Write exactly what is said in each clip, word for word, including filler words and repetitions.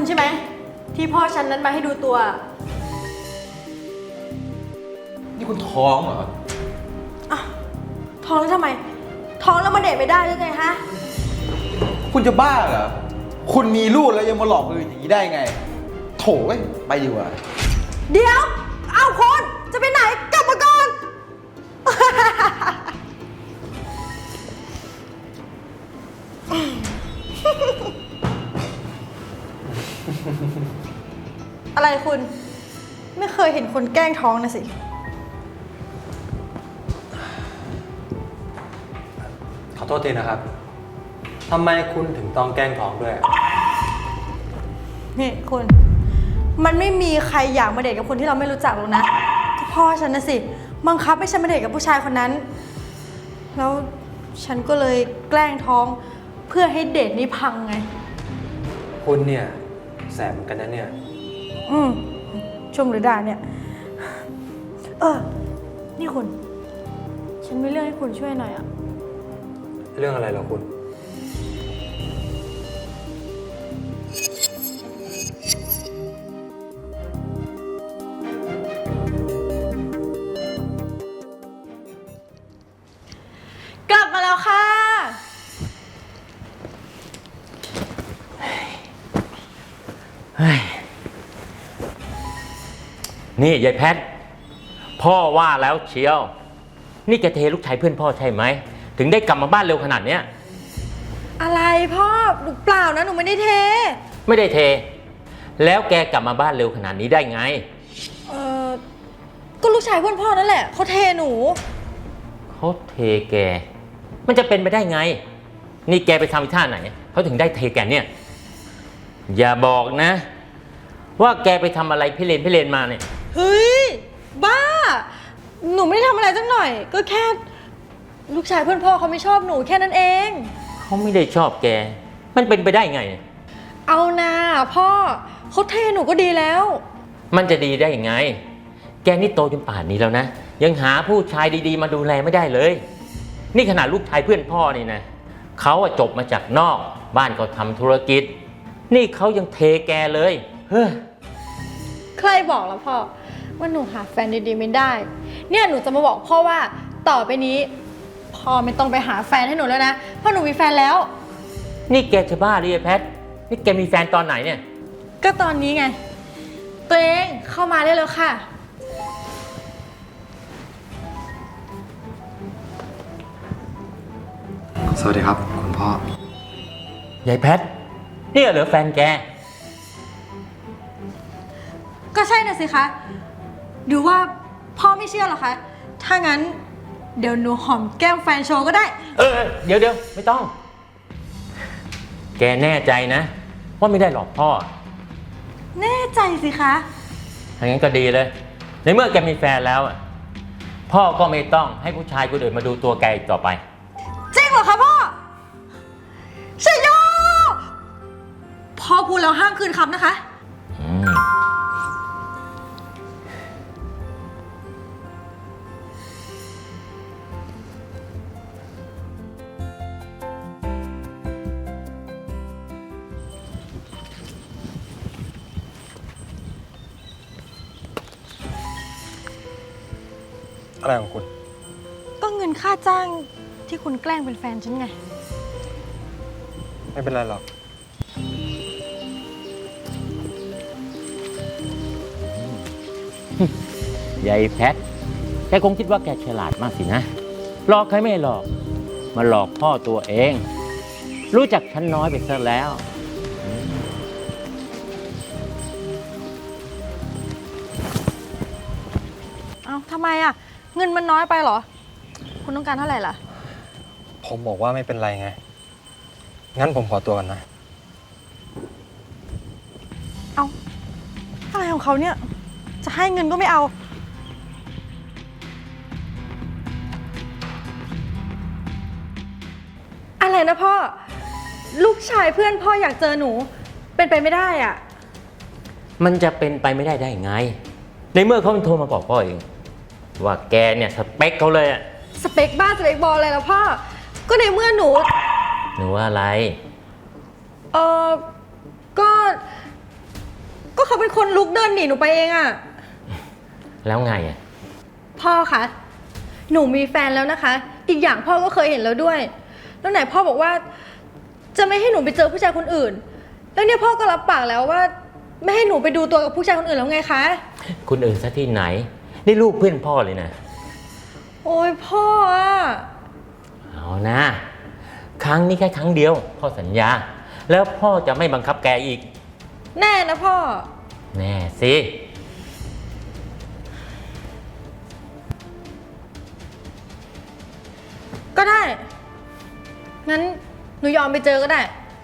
ใช่ไหมที่พ่อฉันนั้นมาให้ดูตัวนี่คุณท้องเหรออ่ะท้องแล้วทำไมท้องแล้วมาเดทไม่ได้หรือไงฮะคุณจะบ้าเหรอคุณมีลูกแล้วยังมาหลอกคนอื่นอย่างนี้ได้ไงโถ่เว้ยไปดีกว่าเดี๋ยวเอาคนจะไปไหนกลับมาก่อน อะไรคุณไม่เคยเห็นคนแกล้งท้องนะสิขอโทษทีนะครับทำไมคุณถึงต้องแกล้งท้องด้วยนี่คุณมันไม่มีใครอยากมาเดทกับคนที่เราไม่รู้จักหรอกนะก็พ่อฉันนะสิบังคับให้ฉันมาเดทกับผู้ชายคนนั้นแล้วฉันก็เลยแกล้งท้องเพื่อให้เดทนี้พังไงคุณเนี่ยแสบเหมือนกันนะเนี่ยอืมชมหรือด่าเนี่ยเออนี่คุณฉันมีเรื่องให้คุณช่วยหน่อยอะเรื่องอะไรเหรอคุณกลับมาแล้วค่ะเฮ้ยนี่ยายแพทพ่อว่าแล้วเชียวนี่แกเทลูกชายเพื่อนพ่อใช่ไหมถึงได้กลับมาบ้านเร็วขนาดเนี้ยอะไรพ่อหนูเปล่านะหนูไม่ได้เทไม่ได้เทแล้วแกกลับมาบ้านเร็วขนาดนี้ได้ไงเออก็ลูกชายเพื่อนพ่อนั่นแหละเขาเทหนูเขาเทแกมันจะเป็นไปได้ไงนี่แกไปทำอีท่าไหนเขาถึงได้เทแกเนี่ยอย่าบอกนะว่าแกไปทำอะไรพี่เลนพี่เลนมาเนี่ยเฮ้ยบ้าหนูไม่ได้ทำอะไรสักหน่อยก็แค่ลูกชายเพื่อนพ่อเขาไม่ชอบหนูแค่นั้นเองเขาไม่ได้ชอบแกมันเป็นไปได้ไงเอานะพ่อเขาเทหนูก็ดีแล้วมันจะดีได้ยังไงแกนี่โตจนป่านนี้แล้วนะยังหาผู้ชายดีๆมาดูแลไม่ได้เลยนี่ขนาดลูกชายเพื่อนพ่อนี่นะเขาจบมาจากนอกบ้านก็ทำธุรกิจนี่เขายังเทแกเลยเฮ้ยใครบอกแล้วพ่อว่าหนูหาแฟนดีๆไม่ได้เนี่ยหนูจะมาบอกพ่อว่าต่อไปนี้พ่อไม่ต้องไปหาแฟนให้หนูแล้วนะเพราะหนูมีแฟนแล้วนี่แกจะบ้าหรือไงแพทนี่แกมีแฟนตอนไหนเนี่ยก็ตอนนี้ไงตัวเองเข้ามาได้แล้วค่ะสวัสดีครับคุณพ่อยายแพทนี่เหรอแฟนแกก็ใช่น่ะสิคะหรือว่าพ่อไม่เชื่อหรอคะถ้างั้นเดี๋ยวหนูหอมแก้มแฟนโชว์ก็ได้เออเดี๋ยวเดี๋ยวไม่ต้องแกแน่ใจนะว่าไม่ได้หลอกพ่อแน่ใจสิคะถ้างั้นก็ดีเลยในเมื่อแกมีแฟนแล้วพ่อก็ไม่ต้องให้ผู้ชายคนอื่นมาดูตัวแกอีกต่อไปจริงเหรอคะพ่อชัยโยพ่อพูดแล้วห้ามคืนคำนะคะอืมอะไรของคุณก็เงินค่าจ้างที่คุณแกล้งเป็นแฟนฉันไงไม่เป็นไรหรอกยายแพทแกคงคิดว่าแกฉลาดมากสินะหลอกใครไม่หลอกมาหลอกพ่อตัวเองรู้จักฉันน้อยไปซะแล้วเอาทำไมอ่ะเงินมันน้อยไปเหรอคุณต้องการเท่าไหร่ล่ะผมบอกว่าไม่เป็นไรไงงั้นผมขอตัวก่อนนะเอาอะไรของเขาเนี่ยจะให้เงินก็ไม่เอาอะไรนะพ่อลูกชายเพื่อนพ่ออยากเจอหนูเป็นไปไม่ได้อ่ะมันจะเป็นไปไม่ได้ได้ไงในเมื่อเขาเป็นโทรมาบอกพ่อเองว่าแกเนี่ยสเปคเขาเลยอะสเปคบ้าสเปคบอลอะไรแล้วพ่อก็ในเมื่อหนูหนูว่าอะไรเออก็เขาเป็นคนลุกเดินหนีหนูไปเองอะแล้วไงอ่ะพ่อคะหนูมีแฟนแล้วนะคะ อีกอย่างพ่อก็เคยเห็นแล้วด้วย แล้วไหนพ่อบอกว่า จะไม่ให้หนูไปเจอผู้ชายคนอื่น แล้วเนี่ยพ่อก็รับปากแล้วว่า ไม่ให้หนูไปดูตัวกับผู้ชายคนอื่นแล้วไงคะคุณอื่นซะที่ไหน นี่ลูกเพื่อนพ่อเลยนะโอ้ยพ่ออะเอานะ ครั้งนี้แค่ครั้งเดียว พ่อสัญญา แล้วพ่อจะไม่บังคับแกอีกแน่นะพ่อแน่สิก็ได้ งั้นหนูยอมไปเจอก็ได้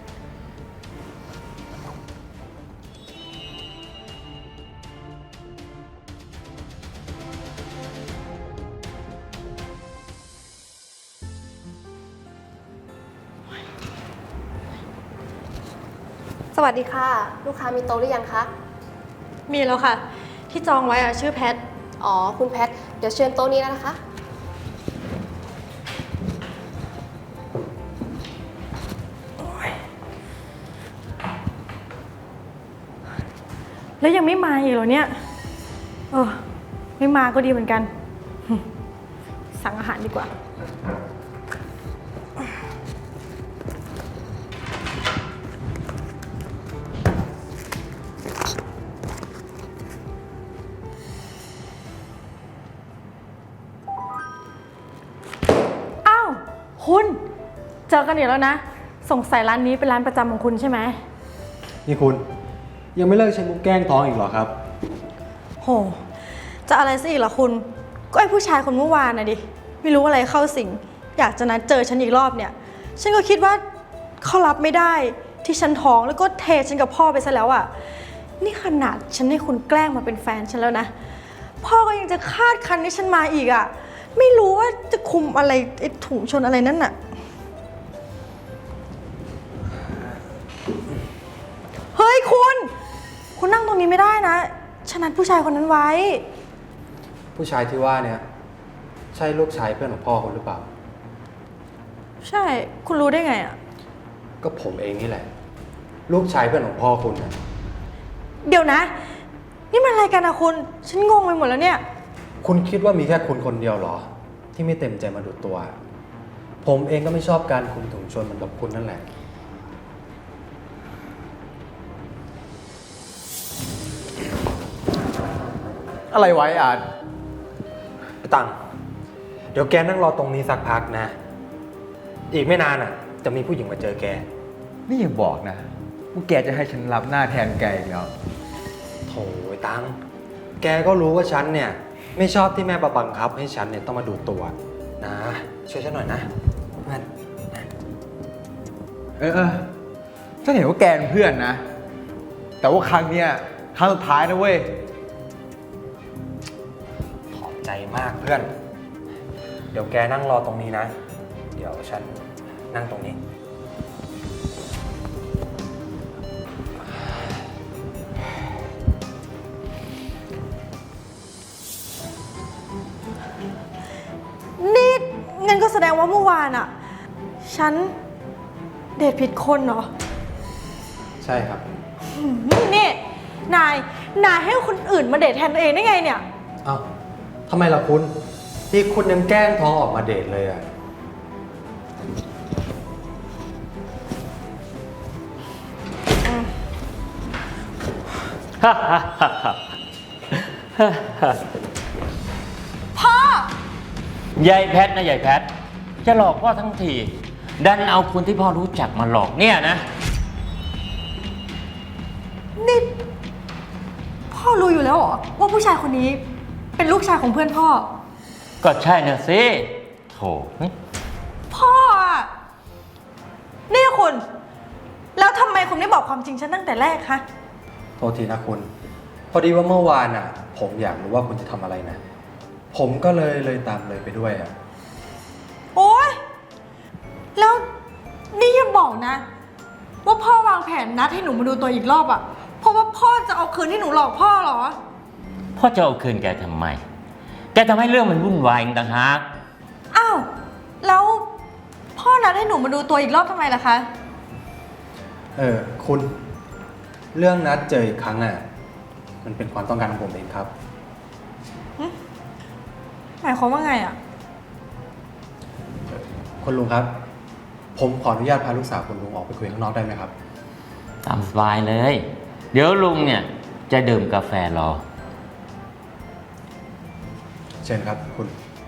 สวัสดีค่ะ ลูกค้ามีโต๊ะหรือยังคะมีแล้วค่ะ ที่จองไว้อะชื่อแพทอ๋อ คุณแพท เดี๋ยวเชิญโต๊ะนี้แล้วนะคะแล้วยังไม่มาอีกเหรอเนี่ย เออ ไม่มาก็ดีเหมือนกัน สั่งอาหารดีกว่า อ้าว คุณ เจอกันอีกแล้วนะ สงสัยร้านนี้เป็นร้านประจำของคุณใช่ไหมนี่คุณยังไม่เลิกใช้มุกแกล้งท้องอีกเหรอครับโห จะอะไรซะอีกล่ะคุณ ก็ไอ้ผู้ชายคนเมื่อวานน่ะดิ ไม่รู้อะไรเข้าสิง อยากจะนัดเจอฉันอีกรอบเนี่ย ฉันก็คิดว่าเขารับไม่ได้ที่ฉันท้องแล้วก็เทฉันกับพ่อไปซะแล้วอะ่ะ นี่ขนาดฉันให้คุณแกล้งมาเป็นแฟนฉันแล้วนะ พ่อก็ยังจะคาดคันให้ฉันมาอีกอะ่ะ ไม่รู้ว่าจะคุมอะไรไอ้ถุงชนอะไรนั่นน่ะ เฮ้ยคุณ คุณนั่งตรงนี้ไม่ได้นะ ฉันนัดผู้ชายคนนั้นไว้ผู้ชายที่ว่าเนี่ยใช่ลูกชายเพื่อนของพ่อคุณหรือเปล่าใช่ คุณรู้ได้ไงอ่ะก็ผมเองนี่แหละ ลูกชายเพื่อนของพ่อคุณนะเดี๋ยวนะ นี่มันอะไรกันอะคุณ ฉันงงไปหมดแล้วเนี่ยคุณคิดว่ามีแค่คุณคนเดียวเหรอ ที่ไม่เต็มใจมาดูตัว ผมเองก็ไม่ชอบการคุมถุงชนเหมือนกับคุณนั่นแหละอะไรไว้อาร์ตไปตังเดี๋ยวแกนั่งรอตรงนี้สักพักนะ อีกไม่นานอ่ะ จะมีผู้หญิงมาเจอแกนี่อย่าบอกนะว่าแกจะให้ฉันรับหน้าแทนแกอีกแล้วโถไอ้ตัง แกก็รู้ว่าฉันเนี่ย ไม่ชอบที่แม่บังคับให้ฉันเนี่ยต้องมาดูตัวนะ ช่วยฉันหน่อยนะเพื่อนนะเออเออฉันเห็นว่าแกเป็นเพื่อนนะ แต่ว่าครั้งเนี้ยครั้งสุดท้ายนะเว้ยขอบใจมากเพื่อน เดี๋ยวแกนั่งรอตรงนี้นะ เดี๋ยวฉันนั่งตรงนี้นี่งั้นก็แสดงว่าเมื่อวานอะฉันเดทผิดคนเหรอใช่ครับนี่ นาย นายให้คนอื่นมาเดทแทนตัวเองได้ไงเนี่ยเอ้าทำไมล่ะคุณที่คุณยังแกล้งท้องออกมาเดทเลยอ่ะพ่อยายแพทนะยายแพท จะหลอกพ่อทั้งที ดันเอาคนที่พ่อรู้จักมาหลอกเนี่ยนะนี่ พ่อรู้อยู่แล้วเหรอว่าผู้ชายคนนี้เป็นลูกชายของเพื่อนพ่อก็ใช่นะสิโถพ่ออะนี่คุณ แล้วทำไมคุณไม่บอกความจริงฉันตั้งแต่แรกคะโทษทีนะคุณ พอดีว่าเมื่อวานอ่ะ ผมอยากรู้ว่าคุณจะทำอะไรนะ ผมก็เลยเลยตามเลยไปด้วยอ่ะโอ๊ย แล้วนี่อย่าบอกนะ ว่าพ่อวางแผนนัดให้หนูมาดูตัวอีกรอบอะเพราะว่าพ่อจะเอาคืนที่หนูหลอกพ่อเหรอพ่อจะเอาคืนแกทำไม แกทำให้เรื่องมันวุ่นวายอีกต่างหากอ้าว แล้วพ่อนัดให้หนูมาดูตัวอีกรอบทำไมล่ะคะเออคุณ เรื่องนัดเจออีกครั้งอ่ะ ผมันเป็นความต้องการของผมเองครับหมายความว่าไงอะคุณลุงครับ ผมขออนุญาตพาลูกสาวคุณลุงออกไปคุยข้างนอกได้ไหมครับตามสบายเลย เดี๋ยวลุงเนี่ยจะดื่มกาแฟรอเชิญครับคุณ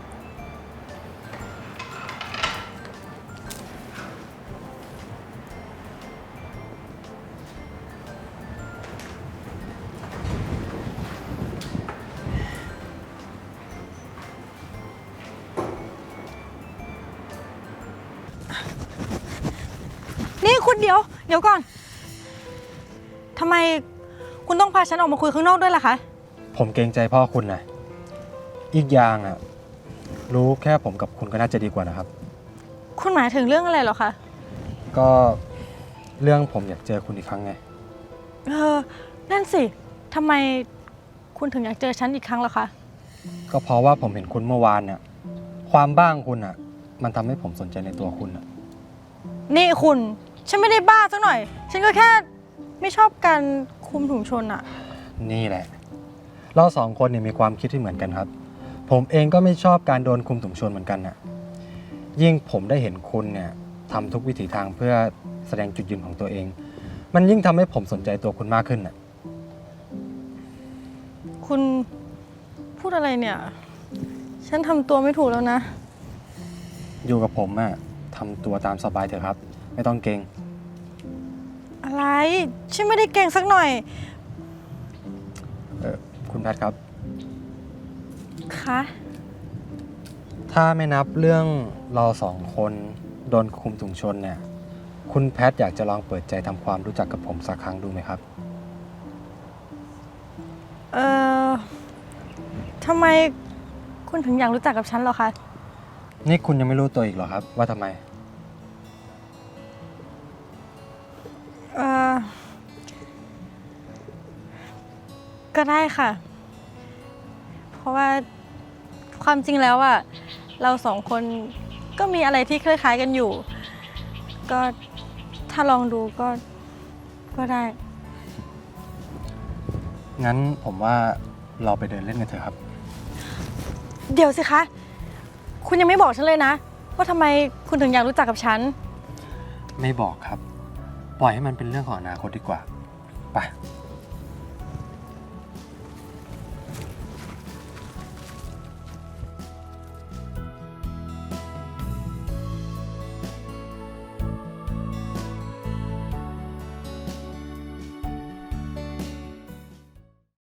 นี่คุณเดี๋ยว เดี๋ยวก่อนทำไมคุณต้องพาฉันออกมาคุยข้างนอกด้วยล่ะคะผมเกรงใจพ่อคุณนะอีกอย่างอ่ะ รู้แค่ผมกับคุณก็น่าจะดีกว่านะครับคุณหมายถึงเรื่องอะไรเหรอคะก็เรื่องผมอยากเจอคุณอีกครั้งไงเออ นั่นสิทำไมคุณถึงอยากเจอฉันอีกครั้งล่ะคะก็เพราะว่าผมเห็นคุณเมื่อวานเนี่ยความบ้าของคุณอ่ะ มันทำให้ผมสนใจในตัวคุณอ่ะนี่คุณ ฉันไม่ได้บ้าสักหน่อย ฉันก็แค่ไม่ชอบการคุมถุงชนอะนี่แหละ เราสองคนเนี่ยมีความคิดที่เหมือนกันครับ ผมเองก็ไม่ชอบการโดนคุมถุงชนเหมือนกันน่ะ ยิ่งผมได้เห็นคุณเนี่ยทำทุกวิถีทางเพื่อแสดงจุดยืนของตัวเอง มันยิ่งทำให้ผมสนใจตัวคุณมากขึ้นน่ะคุณพูดอะไรเนี่ย ฉันทำตัวไม่ถูกแล้วนะอยู่กับผมอะทำตัวตามสบายเถอะครับ ไม่ต้องเกรงอะไร ฉันไม่ได้เก่งสักหน่อยเออคุณแพทครับคะถ้าไม่นับเรื่องเราสองคนโดนคุมถุงชนเนี่ย คุณแพทอยากจะลองเปิดใจทำความรู้จักกับผมสักครั้งดูไหมครับเออทำไมคุณถึงอยากรู้จักกับฉันเหรอคะนี่คุณยังไม่รู้ตัวอีกเหรอครับว่าทำไมเออก็ได้ค่ะ เพราะว่าความจริงแล้วอะเราสองคนก็มีอะไรที่คล้ายๆกันอยู่ ก็ถ้าลองดูก็ก็ได้งั้นผมว่าเราไปเดินเล่นกันเถอะครับเดี๋ยวสิคะ คุณยังไม่บอกฉันเลยนะ ว่าทำไมคุณถึงอยากรู้จักกับฉันไม่บอกครับ ปล่อยให้มันเป็นเรื่องของอนาคตดีกว่า ไป